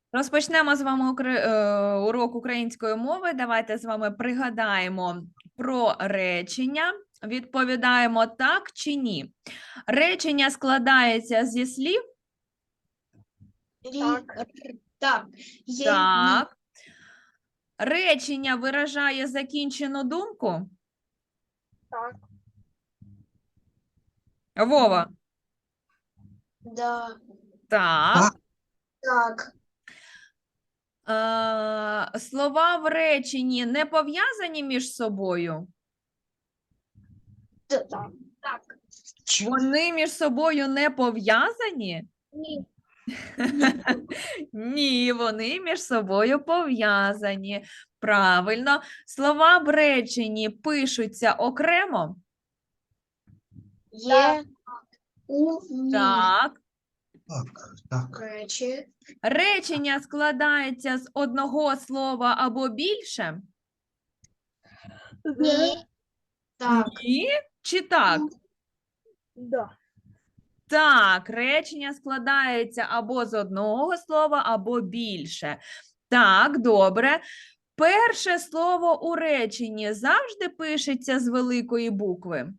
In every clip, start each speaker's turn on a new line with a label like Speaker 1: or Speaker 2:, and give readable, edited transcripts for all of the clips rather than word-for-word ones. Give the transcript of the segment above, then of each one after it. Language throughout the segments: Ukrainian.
Speaker 1: Розпочнемо з вами урок української мови. Давайте з вами пригадаємо про речення. Відповідаємо так чи ні. Речення складається зі слів.
Speaker 2: Так. Є,
Speaker 1: Так. Речення виражає закінчену думку.
Speaker 2: Так.
Speaker 1: Вова.
Speaker 2: Да.
Speaker 1: Так.
Speaker 2: Так.
Speaker 1: Слова в реченні не пов'язані між собою.
Speaker 2: Так. Так.
Speaker 1: Вони між собою не пов'язані?
Speaker 2: Ні.
Speaker 1: Ні, вони між собою пов'язані. Правильно. Слова в реченні пишуться окремо?
Speaker 2: Є у ні.
Speaker 1: Так.
Speaker 3: Так.
Speaker 2: Речі.
Speaker 1: Речення складається з одного слова або більше?
Speaker 2: Ні. Так.
Speaker 1: Ні? Чи так?
Speaker 2: Да.
Speaker 1: Так, речення складається або з одного слова, або більше. Так, добре. Перше слово у реченні завжди пишеться з великої букви?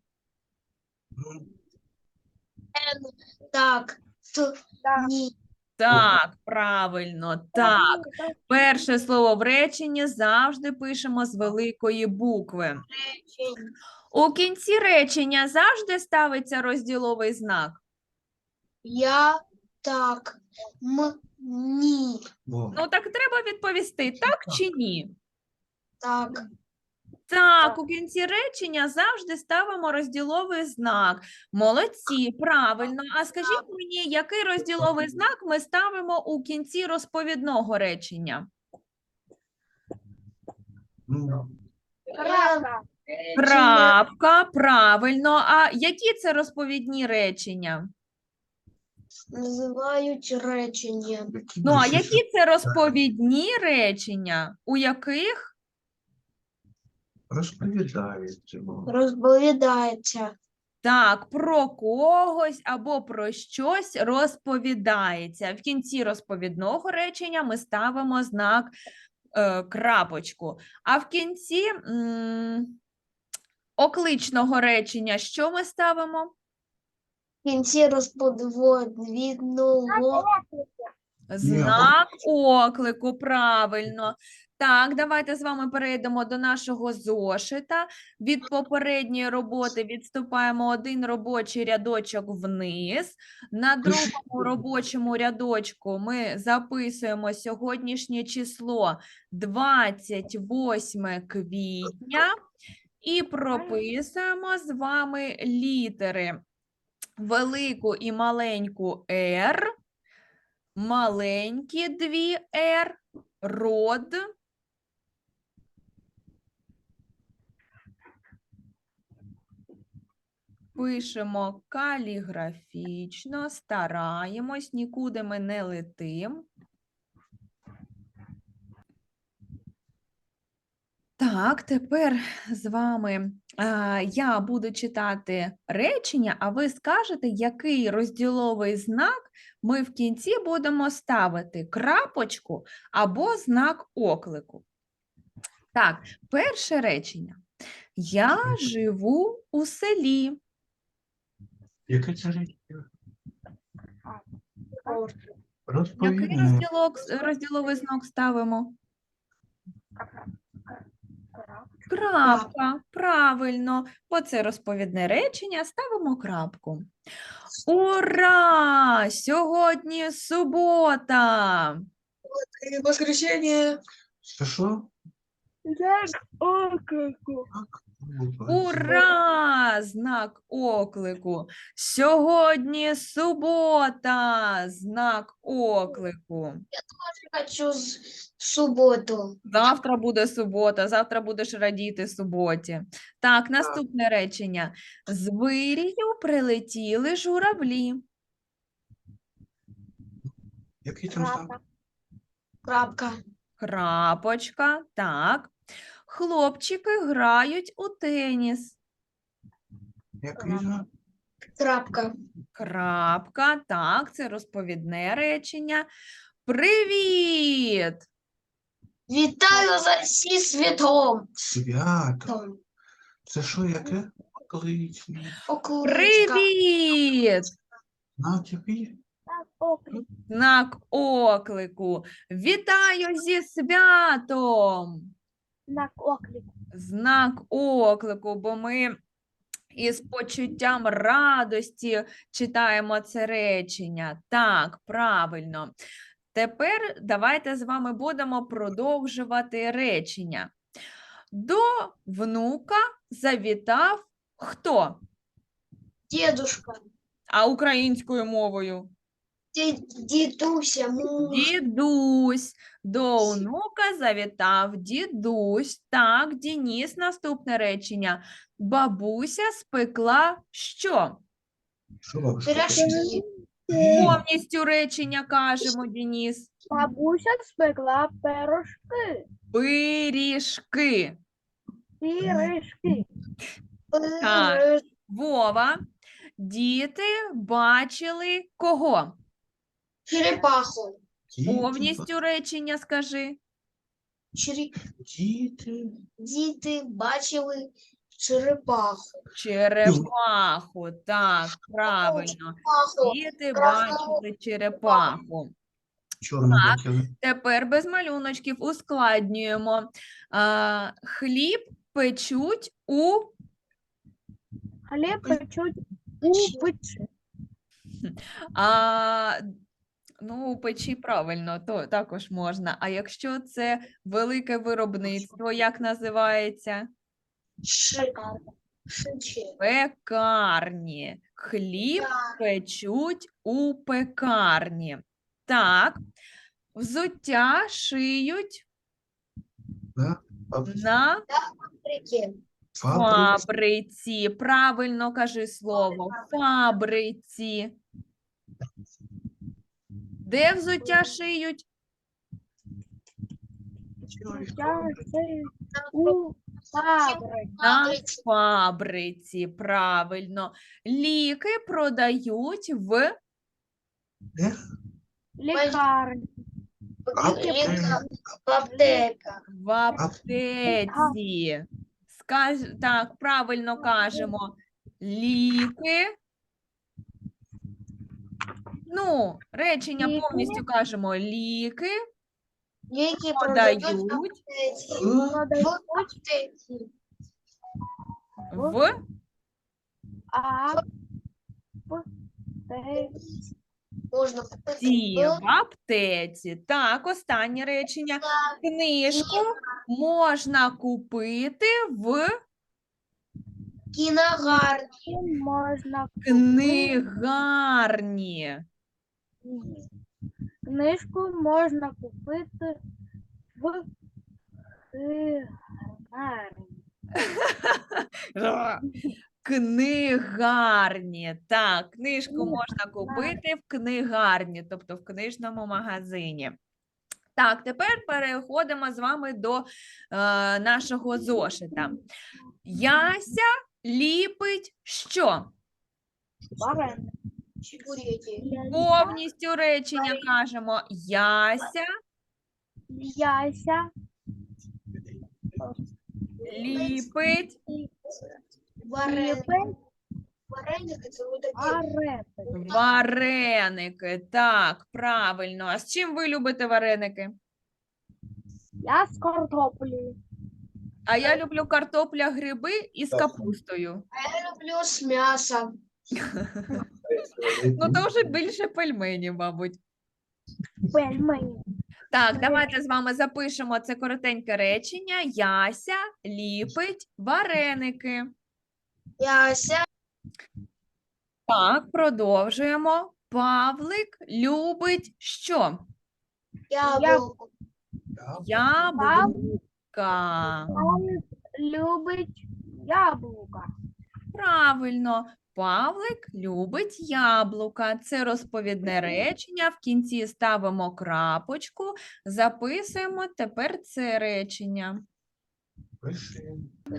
Speaker 2: Так. Ні.
Speaker 1: Так, правильно, так. Перше слово в реченні завжди пишемо з великої букви. У кінці речення завжди ставиться розділовий знак?
Speaker 2: Я так. Ні.
Speaker 1: Ну, так треба відповісти, так чи ні?
Speaker 2: Так.
Speaker 1: Так, у кінці речення завжди ставимо розділовий знак. Молодці, правильно. А скажіть мені, який розділовий знак ми ставимо у кінці розповідного речення? Крапка, правильно. А які це розповідні речення?
Speaker 2: Називають речення.
Speaker 1: Ну, а які це розповідні речення? У яких?
Speaker 2: Розповідається.
Speaker 1: Так, про когось або про щось розповідається. В кінці розповідного речення ми ставимо знак крапочку. А в кінці окличного речення що ми ставимо?
Speaker 2: В кінці розповідного.
Speaker 1: Знак оклику, правильно. Так, давайте з вами перейдемо до нашого зошита. Від попередньої роботи відступаємо один робочий рядочок вниз. На другому робочому рядочку ми записуємо сьогоднішнє число 28 квітня і прописуємо з вами літери велику і маленьку «Р», маленькі дві «Р», род, пишемо каліграфічно, стараємось, нікуди ми не летим. Так, тепер з вами я буду читати речення, а ви скажете, який розділовий знак ми в кінці будемо ставити: крапочку або знак оклику. Так, перше речення. Я живу у селі.
Speaker 3: Яке це речення?
Speaker 1: Який розділовий знак ставимо? Крапка, правильно. Бо це розповідне речення, ставимо крапку. Ура! Сьогодні субота!
Speaker 2: Воскресенье.
Speaker 3: Що?
Speaker 1: Ура! Знак оклику. Сьогодні субота. Знак оклику.
Speaker 2: Хочу суботу.
Speaker 1: Завтра буде субота, завтра будеш радіти суботі. Так, наступне речення. З вирію прилетіли журавлі.
Speaker 3: Який там знак?
Speaker 2: Крапка.
Speaker 1: Крапочка, так. Хлопчики грають у теніс.
Speaker 3: Який знак?
Speaker 2: Крапка.
Speaker 1: Крапка, так, це розповідне речення. Привіт!
Speaker 2: Вітаю за зі світом.
Speaker 3: Свято. Це що, яке? Окличне.
Speaker 2: Окуличка.
Speaker 1: Привіт!
Speaker 3: На тобі?
Speaker 1: Знак оклику. Вітаю зі святом!
Speaker 4: Знак оклику.
Speaker 1: Знак оклику, бо ми із почуттям радості читаємо це речення. Так, правильно. Тепер давайте з вами будемо продовжувати речення. До внука завітав хто?
Speaker 2: Дедушка.
Speaker 1: А українською мовою?
Speaker 2: Дідуся. Муж.
Speaker 1: Дідусь. До онука завітав дідусь. Так, Дініс, наступне речення. Бабуся спекла що?
Speaker 3: Що бабушка?
Speaker 2: Пирожки.
Speaker 1: Повністю речення кажемо, Дініс.
Speaker 4: Бабуся спекла пирожки.
Speaker 1: Пиріжки.
Speaker 4: Пиріжки.
Speaker 1: Так. Вова. Діти бачили кого?
Speaker 2: Черепаху.
Speaker 1: Повністю речення скажи.
Speaker 3: Діти.
Speaker 2: Діти бачили черепаху.
Speaker 1: Черепаху. Так, правильно.
Speaker 2: Паху.
Speaker 1: Діти
Speaker 2: Красну.
Speaker 1: бачили черепаху.
Speaker 3: Чорно
Speaker 1: Так.
Speaker 3: бачили.
Speaker 1: Тепер без малюночків ускладнюємо. Хліб печуть у
Speaker 4: Хліб печуть у печі.
Speaker 1: у печі правильно, то також можна. А якщо це велике виробництво, як називається?
Speaker 2: Шиче.
Speaker 1: Пекарні. Хліб печуть у пекарні. Так. Взуття шиють
Speaker 3: Да?
Speaker 1: на
Speaker 2: Фабрики.
Speaker 1: фабриці. Правильно кажи слово. Фабриці. Де взуття шиють?
Speaker 4: Я шию у фабриці.
Speaker 1: На фабриці. Правильно. Ліки продають в
Speaker 3: Де?
Speaker 4: Лікарні.
Speaker 2: Аптека.
Speaker 1: В аптеці. Так, правильно кажемо. Ліки. Речення
Speaker 4: Ліки.
Speaker 1: повністю кажемо. Ліки
Speaker 2: Ліки
Speaker 1: продають
Speaker 2: продають
Speaker 4: Продають
Speaker 2: в аптеці.
Speaker 1: в
Speaker 4: аптеці.
Speaker 2: Можна купити
Speaker 1: в аптеці. Так, останнє речення. Книжку можна купити в
Speaker 2: кіногарні.
Speaker 4: Можна
Speaker 1: книгарні.
Speaker 4: книжку можна купити в книгарні.
Speaker 1: Книгарні. Так, книжку можна купити в книгарні, тобто в книжному магазині. Так, тепер переходимо з вами до нашого зошита. Яся ліпить що?
Speaker 4: Вареники.
Speaker 2: Чебуреки.
Speaker 1: Повністю речення кажемо. Яся
Speaker 4: Яся
Speaker 1: ліпить
Speaker 2: Вареники.
Speaker 4: ліпить
Speaker 2: Вареники це буде
Speaker 4: вареники.
Speaker 1: вареники. Так, правильно. А з чим ви любите вареники?
Speaker 4: Я з картоплею.
Speaker 1: А я люблю картопля, гриби із капустою.
Speaker 2: Я люблю з м'ясом.
Speaker 1: То вже більше пельменів, мабуть.
Speaker 4: Пельмені.
Speaker 1: Так, давайте з вами запишемо це коротеньке речення. Яся ліпить вареники.
Speaker 2: Яся.
Speaker 1: Так, продовжуємо. Павлик любить що?
Speaker 2: Яблуко.
Speaker 1: Яблука.
Speaker 4: Павлик любить яблука.
Speaker 1: Правильно. Павлик любить яблука. Це розповідне речення. В кінці ставимо крапочку. Записуємо тепер це речення.
Speaker 3: Пиши.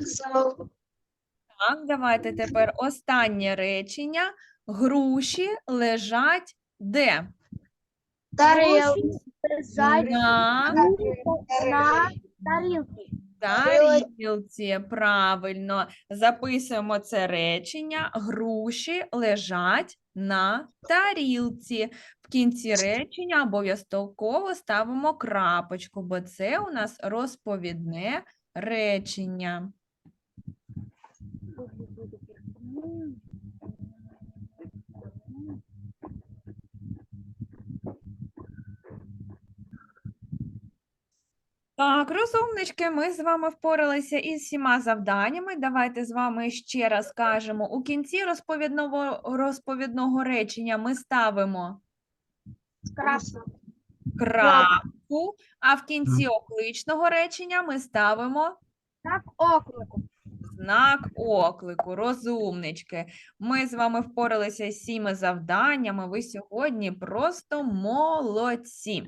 Speaker 1: Так, давайте тепер останнє речення. Груші лежать де?
Speaker 2: Тарелки.
Speaker 4: лежать
Speaker 1: На
Speaker 4: на тарілці.
Speaker 1: тарілці. Правильно. Записуємо це речення. Груші лежать на тарілці. В кінці речення обов'язково ставимо крапочку, бо це у нас розповідне речення. Так, розумнички, ми з вами впоралися із всіма завданнями. Давайте з вами ще раз скажемо. У кінці розповідного речення ми ставимо
Speaker 4: Красно.
Speaker 1: крапку, а в кінці окличного речення ми ставимо
Speaker 4: Так, оклику.
Speaker 1: знак оклику. Розумнички. Ми з вами впоралися з 7 завданнями. Ви сьогодні просто молодці.